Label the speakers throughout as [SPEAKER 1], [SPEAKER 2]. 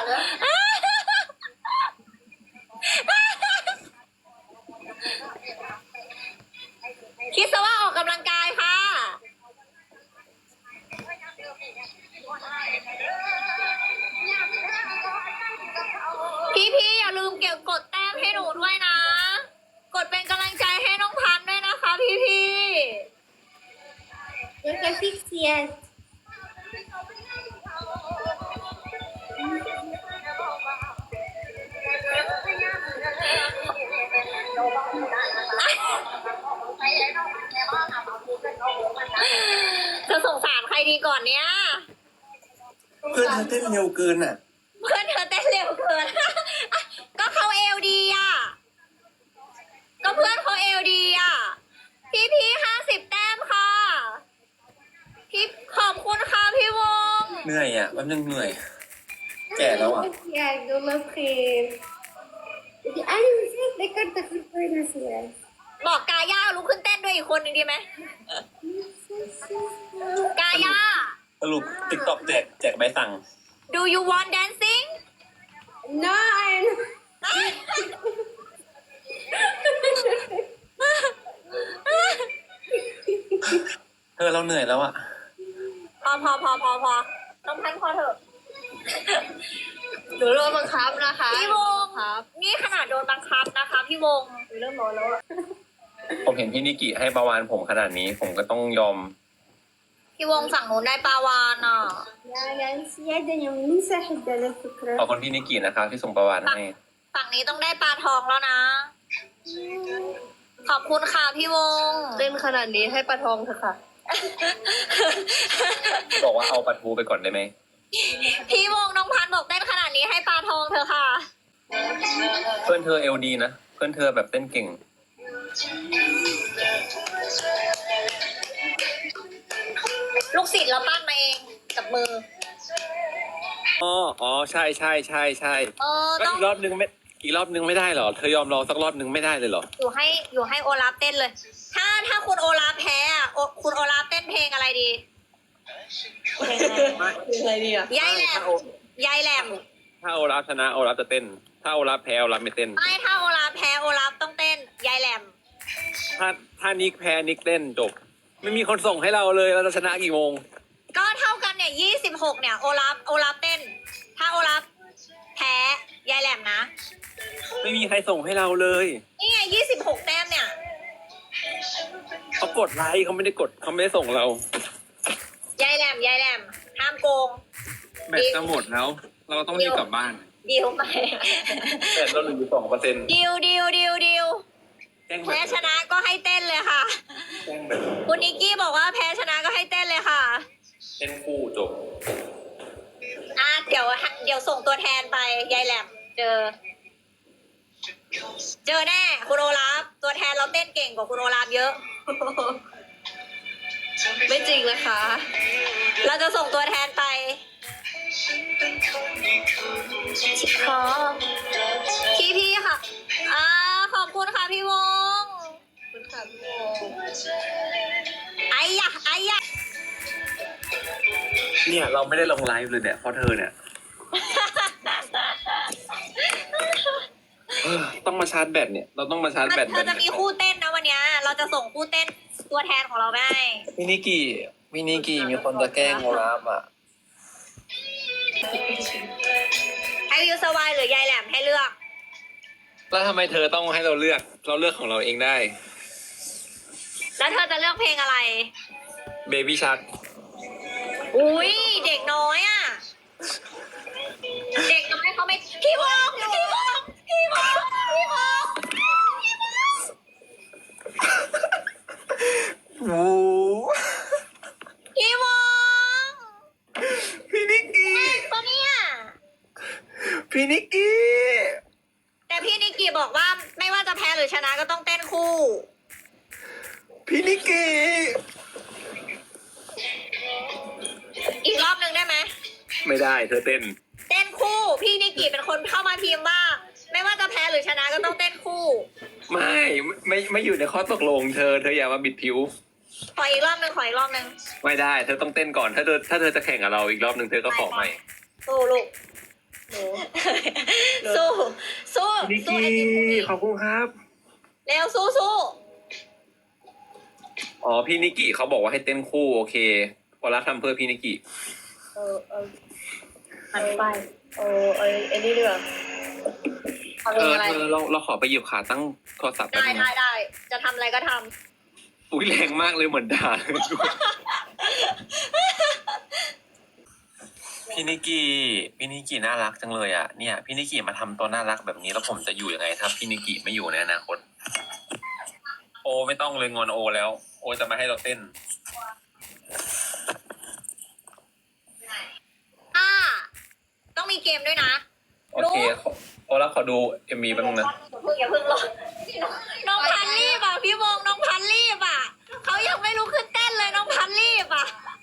[SPEAKER 1] คิดซะว่าออกกำลังกายค่ะพี่อย่าลืมเก็บกดแต้มให้หนูด้วยนะ กดเป็นกำลังใจให้น้องพันธุ์ด้วยนะคะพี่
[SPEAKER 2] Eu tô asfixiando.
[SPEAKER 1] จะสงสารใครดีก่อนเนี้ย
[SPEAKER 3] เพื่อนเธอเต้นเร็วเกินอ่ะ
[SPEAKER 1] เพื่อนเธอเต้นเร็วเกิน ก็เขาเอวดีอ่ะ ก็เพื่อนเขาเอวดีอ่ะ พี่50 แต้มค่ะ พี่ขอบคุณค่ะพี่วง
[SPEAKER 3] เหนื่อยอ่ะแป๊บนึงเหนื่อย แก่แล้วอ่ะ
[SPEAKER 2] Obrigada, uma frente. Ai, não sei, daí canta que foi na cidade.
[SPEAKER 1] บอกกาย่าลุกขึ้นเต้นด้วยอีกคนหนึ่งดีไหม กาย่า
[SPEAKER 3] สรุปติ๊กต็อกแจกใบสั่ง
[SPEAKER 1] Do you want dancing
[SPEAKER 2] No, I'm...
[SPEAKER 3] เธอเราเหนื่อยแล้วอ่ะ
[SPEAKER 1] พอต้องพันพอเถอะ
[SPEAKER 2] หนูโดนบังคับนะคะ
[SPEAKER 1] พี่วง
[SPEAKER 2] ครับ
[SPEAKER 1] นี่ขนาดโดนบังคับนะคะพี่วง
[SPEAKER 2] เริ่มร้อนแล้วอะ
[SPEAKER 3] ผมเห็นพี่นิกิให้ประวานผมขนาดนี้ ผมก็ต้องยอม
[SPEAKER 1] พี่วงฝั่งนู้นได้ปลาวานอ่ะ
[SPEAKER 2] يا سيادة يوم نسحب على
[SPEAKER 3] ข
[SPEAKER 2] فكرة
[SPEAKER 3] อบคุณพี่นิกินะครับที่ส่งประวานให้
[SPEAKER 1] ฝั่งนี้ต้องได้ปลาทองแล้วนะ ขอบคุณค่ะพี่วง
[SPEAKER 2] เต้นขนาดนี้ให้ปลาทองเถอะค่ะ
[SPEAKER 3] บอกว่าเอาปลาทูไปก่อนได้ไหม
[SPEAKER 1] พี่วงน้องพันธุ์บอกเต้นขนาดนี้ให้ปลาทองเธอะค่ะ
[SPEAKER 3] เพื่อนเธอเอลดีนะ เพื่อนเธอแบบเต้นเก่ง
[SPEAKER 1] ลูกศิษย์เราปั้นมาเองกับมือ
[SPEAKER 3] อ๋อใช่ก็
[SPEAKER 1] ต้อง
[SPEAKER 3] อีกรอบนึงไม่ได้เหรอ เธอยอมรอสักรอบนึงไม่ได้เลยเหรอ
[SPEAKER 1] อยู่ให้โอลาฟเต้นเลย ถ้าคุณโอลาฟแพ้อะคุณโอลาฟเต้นเพลงอะไรดี
[SPEAKER 2] อะไรดีอ่ะ
[SPEAKER 1] ยายแหลมยายแหลม
[SPEAKER 3] ถ้าโอลาฟชนะโอลาฟจะเต้น ถ้าโอลาฟแพ้โอลาฟไม่เต้น
[SPEAKER 1] ไม่ถ้าโอลาฟแพ้โอลาฟต้องเต้นยายแหลม
[SPEAKER 3] ถ้านิกแพ้นิกเต้นจบ ไม่มีคนส่งให้เราเลยเราจะชนะกี่โมง
[SPEAKER 1] ก็เท่ากันเนี่ย26เนี่ยโอลาฟเต้น ถ้าโอลาฟแพ้ยายแหลมนะ
[SPEAKER 3] ไม่มีใครส่งให้เราเลย
[SPEAKER 1] นี่ไง26 แต้มเนี่ย
[SPEAKER 3] เขากดไลค์เขาไม่ได้ส่งเรา
[SPEAKER 1] ยายแหลมห้ามโกง
[SPEAKER 3] แบตจะหมดแล้ว เราต้องรีบกลับบ้าน
[SPEAKER 1] ดิวไป
[SPEAKER 3] แต่เราเหลืออยู่2%
[SPEAKER 1] ดิว
[SPEAKER 3] แจ้งแบ
[SPEAKER 1] แพ้
[SPEAKER 3] ต
[SPEAKER 1] ชนะก็ให้เต้นเลยค่ะ
[SPEAKER 3] แจ้งแบต
[SPEAKER 1] คุณนิกกี้บอกว่าแพ้ชนะก็ให้เต้นเลยค่ะ
[SPEAKER 3] เต้นคู่จบ
[SPEAKER 1] เดี๋ยวส่งตัวแทนไปยายแหลมเจอแน่คุณโอลาฟตัวแทนเราเต้นเก่งกว่าคุณโอลาฟเยอะ
[SPEAKER 2] ไม่จริงนะคะ
[SPEAKER 1] เราจะส่งตัวแทนไปขอพี่ค่ะขอบคุณค่ะพี่วง
[SPEAKER 2] คุณค่ะพี่โม
[SPEAKER 1] ไอ้ยะ
[SPEAKER 3] เนี่ยเราไม่ได้ลงไลฟ์เลยเนี่ยเพราะเธอเนี่ย ต้องมาชาร์จแบตเนี่ย เราต้องมาชาร์จแบต
[SPEAKER 1] เราจะมีคู่เต้นนะวันเนี้ยเราจะส่งคู่เต้นตัวแทนของเราไปให้
[SPEAKER 3] พี่นิกิมีคนจะแกล้งโอลาฟอ่ะ
[SPEAKER 1] ให้วิวสวายหรือยายแหลมให้เลือก
[SPEAKER 3] แล้วทำไมเธอต้องให้เราเลือกของเราเองได้
[SPEAKER 1] แล้วเธอจะเลือกเพลงอะไร
[SPEAKER 3] เบบี้ชัก
[SPEAKER 1] อุ้ยเด็กน้อยอ่ะ เด็กน้อยเขาไม่พี่วง
[SPEAKER 3] โอ้
[SPEAKER 1] พี่วง
[SPEAKER 3] พี่นิกกี้
[SPEAKER 1] ปะเนี่ย
[SPEAKER 3] พี่นิกกี้
[SPEAKER 1] แต่พี่นิกกี้บอกว่าไม่ว่าจะแพ้หรือชนะก็ต้องเต้นคู่
[SPEAKER 3] พี่นิกกี้
[SPEAKER 1] อีกรอบหนึ่งได้ไหม
[SPEAKER 3] ไม่ได้เธอเต้น
[SPEAKER 1] เต้นคู่ พี่นิกกี้เป็นคนเข้ามาทีมว่า ไม่ว่าจะแพ้หรือชนะก็ต้องเต้นคู่
[SPEAKER 3] ไม่อยู่ในข้อตกลงเธออย่ามาบิดผิว
[SPEAKER 1] ขออีกรอบหนึ่ง
[SPEAKER 3] ไม่ได้ เธอต้องเต้นก่อน ถ้าเธอจะแข่งกับเราอีกรอบหนึ่งเธอก็ขอใหม่
[SPEAKER 1] โอ้ลูกสู้สู้
[SPEAKER 3] พี่นิก
[SPEAKER 1] สู้
[SPEAKER 3] กี้
[SPEAKER 1] ไอติม
[SPEAKER 3] ขอบคุณครับ
[SPEAKER 1] เร็วสู้สู้
[SPEAKER 3] อ๋อพี่นิกกี้เขาบอกว่าให้เต้นคู่โอเคพอรักทำเพื่อพี่นิกกี้
[SPEAKER 2] หันไปไอ้นี่ดีกว่าทำ
[SPEAKER 3] เอ
[SPEAKER 2] ยัง
[SPEAKER 3] อ
[SPEAKER 2] ไง
[SPEAKER 3] เธอเราขอไปหยิบขาตั้งโทรศัพท์แป๊บ
[SPEAKER 1] ได้
[SPEAKER 3] นึง
[SPEAKER 1] ได้ได้จะทำอะไรก็ท
[SPEAKER 3] อุ้ยแรงมากเลยเหมือนด่าเลยพี่นิกกี้น่ารักจังเลยอ่ะเนี่ยพี่นิกกี้มาทำตัวน่ารักแบบนี้แล้วผมจะอยู่ยังไงถ้าพี่นิกกี้ไม่อยู่ในอนาคตโอไม่ต้องเลยงอนโอแล้ว โอจะมาให้เราเต้น
[SPEAKER 1] ำต้องมีเกมด้วยนะ
[SPEAKER 3] โอเคโอแล้วขอดูเอ็มวีแป๊บนึงนะ
[SPEAKER 1] อย่าเพิ่งรอน้องพันรีบอ่ะพี่วงน้องพันรีบอ่ะเขายังไม่ลุกขึ้นเต้นเลยน้องพันรีบอ่ะ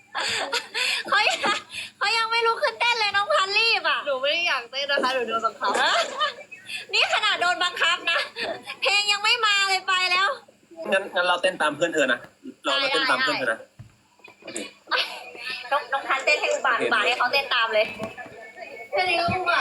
[SPEAKER 1] เขายังไม่ลุกขึ้นเต้นเลยน้องพันรีบอ่ะ
[SPEAKER 2] หนูไม่ได้อยากเต้นนะคะหนูโดนบังคับ
[SPEAKER 1] นี่ขนาดโดนบังคับนะเพลงยังไม่มาเลยไปแล้ว
[SPEAKER 3] งั้นเราเต้นตามเพื่อนเธอนะเราเต้นตามเพื่อนเธอนะโอเค
[SPEAKER 1] น้องพันเต้นให้อุบาทให้เขาเต้นตามเลย
[SPEAKER 2] แค่นี้ก็อุบา